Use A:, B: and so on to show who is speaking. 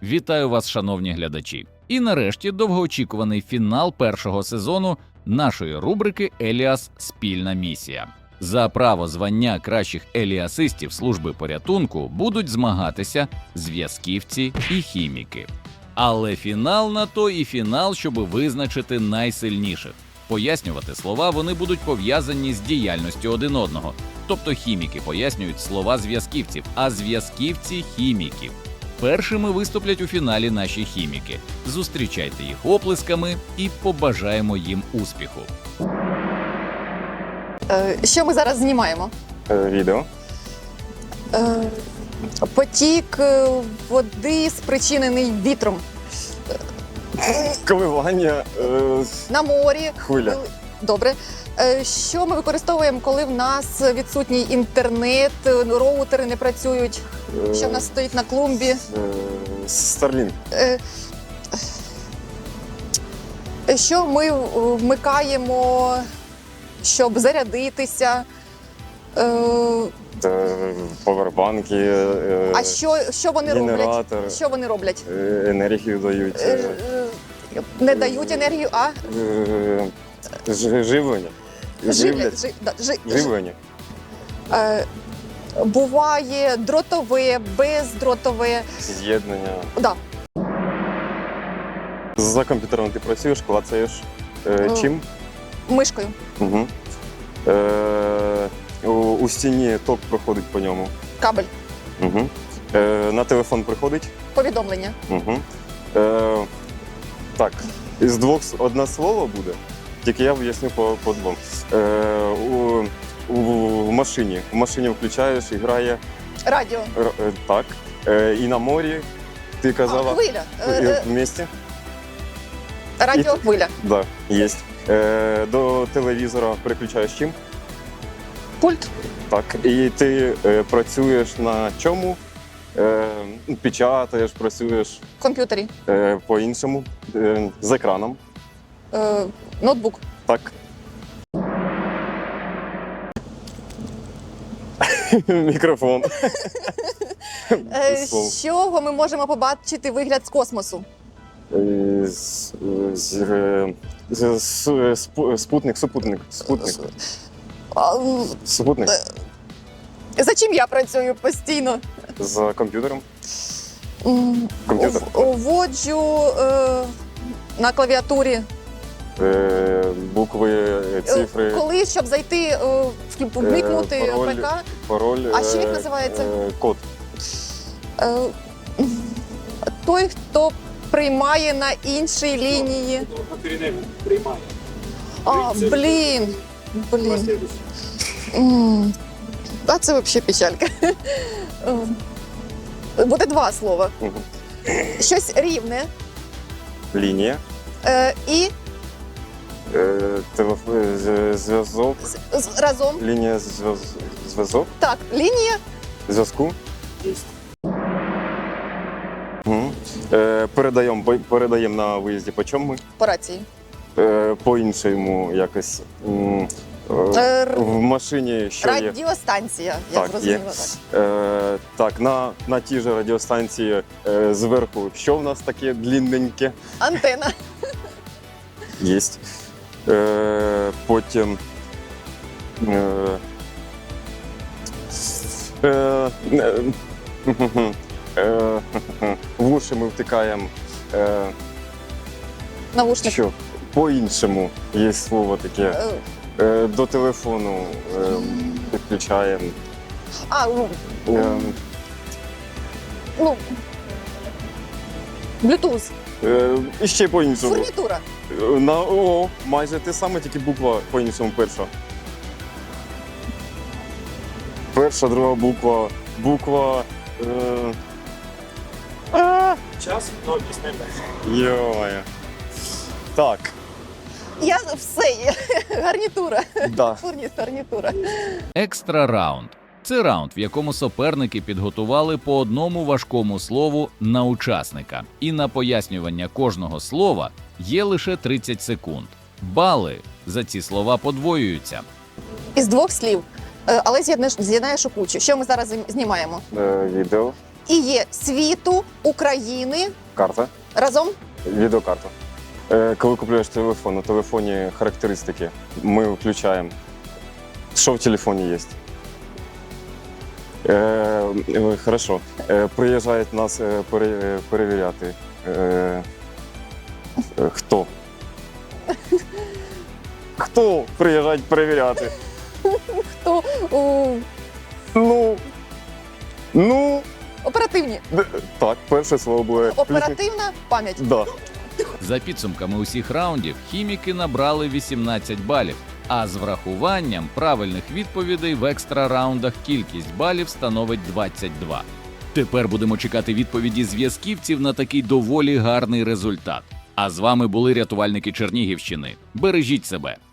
A: Вітаю вас, шановні глядачі! І нарешті довгоочікуваний фінал першого сезону нашої рубрики «Еліас. Спільна місія». За право звання кращих еліасистів служби порятунку будуть змагатися зв'язківці і хіміки. Але фінал на то і фінал, щоб визначити найсильніших. Пояснювати слова вони будуть пов'язані з діяльністю один одного. Тобто хіміки пояснюють слова зв'язківців, а зв'язківці – хіміків. Першими виступлять у фіналі наші хіміки. Зустрічайте їх оплесками і побажаємо їм успіху.
B: Що ми зараз знімаємо?
C: Відео.
B: Потік води, спричинений вітром.
C: Коливання.
B: На морі.
C: Хвиля.
B: Добре. Що ми використовуємо, коли в нас відсутній інтернет, роутери не працюють? Що в нас стоїть на клумбі?
C: Starlink.
B: Що ми вмикаємо, щоб зарядитися?
C: Повербанки.
B: А що вони
C: генератор,
B: роблять? Що вони роблять?
C: Енергію дають.
B: Не дають енергію, а
C: Живлення.
B: живлять.
C: Живлення.
B: Буває дротове, бездротове.
C: З'єднання.
B: Да.
C: За комп'ютером ти працюєш, клацаєш чим?
B: Мишкою.
C: Угу. У стіні ток проходить по ньому.
B: Кабель.
C: Угу. На телефон приходить.
B: Повідомлення.
C: Угу. Так, із двох одне слово буде, тільки я поясню по двом. В машині. В машині включаєш і грає.
B: Радіо.
C: Так. І на морі, ти казала.
B: Хвиля.
C: В місті?
B: Радіохвиля.
C: Так, є. До телевізора переключаєш чим?
B: Пульт.
C: Так. І ти працюєш на чому? Печатаєш, працюєш
B: В комп'ютері.
C: по-іншому, з екраном.
B: Ноутбук.
C: Так. Мікрофон.
B: З чого ми можемо побачити вигляд з космосу?
C: Спутник. Супутник.
B: За чим я працюю постійно?
C: За комп'ютером. Комп'ютер.
B: Вводжу на клавіатурі.
C: Букви, цифри.
B: Коли, щоб зайти, вмикнути ПК.
C: Пароль.
B: А ще як називається?
C: Код.
B: Той, хто приймає на іншій лінії.
D: Приймає.
B: Блін. А це взагалі печалька. Буде два слова.
C: Угу.
B: Щось рівне.
C: Лінія.
B: І
C: Зв'язок.
B: разом.
C: Лінія зв'язок.
B: Так, лінія.
C: Зв'язку. Угу. Передаємо на виїзді по чому ми?
B: По рації.
C: По-іншому якось. В машині що є?
B: Радіостанція, я
C: Так,
B: зрозуміла.
C: є. Так, на тій же радіостанції зверху, що в нас таке длинненьке?
B: Антена.
C: Є. Потім в уші ми втикаємо.
B: Навушник.
C: Що? По-іншому є слово таке. До телефону підключаємо.
B: Bluetooth.
C: І ще по-іншому.
B: Фурнітура.
C: Майже те саме, тільки буква по-іншому перша. Перша, друга буква. Буква.
D: Час до пісни.
C: Йо-моє. Так.
B: Я все є. Гарнітура.
C: Да.
B: Гарнітура.
A: Екстра раунд – це раунд, в якому суперники підготували по одному важкому слову на учасника. І на пояснювання кожного слова є лише 30 секунд. Бали за ці слова подвоюються.
B: Із двох слів, але з'єднаєш у кучу. Що ми зараз знімаємо?
C: Відео.
B: і є світу, України
C: Карта,
B: разом.
C: відеокарта. Коли купуєш телефон, на телефоні характеристики ми включаємо. Що в телефоні є? Хорошо. Приїжджають нас перевіряти. Хто? Хто приїжджають перевіряти?
B: Хто
C: Ну,
B: оперативні?
C: так, перше слово буде.
B: Оперативна пам'ять.
C: Да.
A: За підсумками усіх раундів, хіміки набрали 18 балів, а з врахуванням правильних відповідей в екстра раундах кількість балів становить 22. Тепер будемо чекати відповіді зв'язківців на такий доволі гарний результат. А з вами були рятувальники Чернігівщини. Бережіть себе!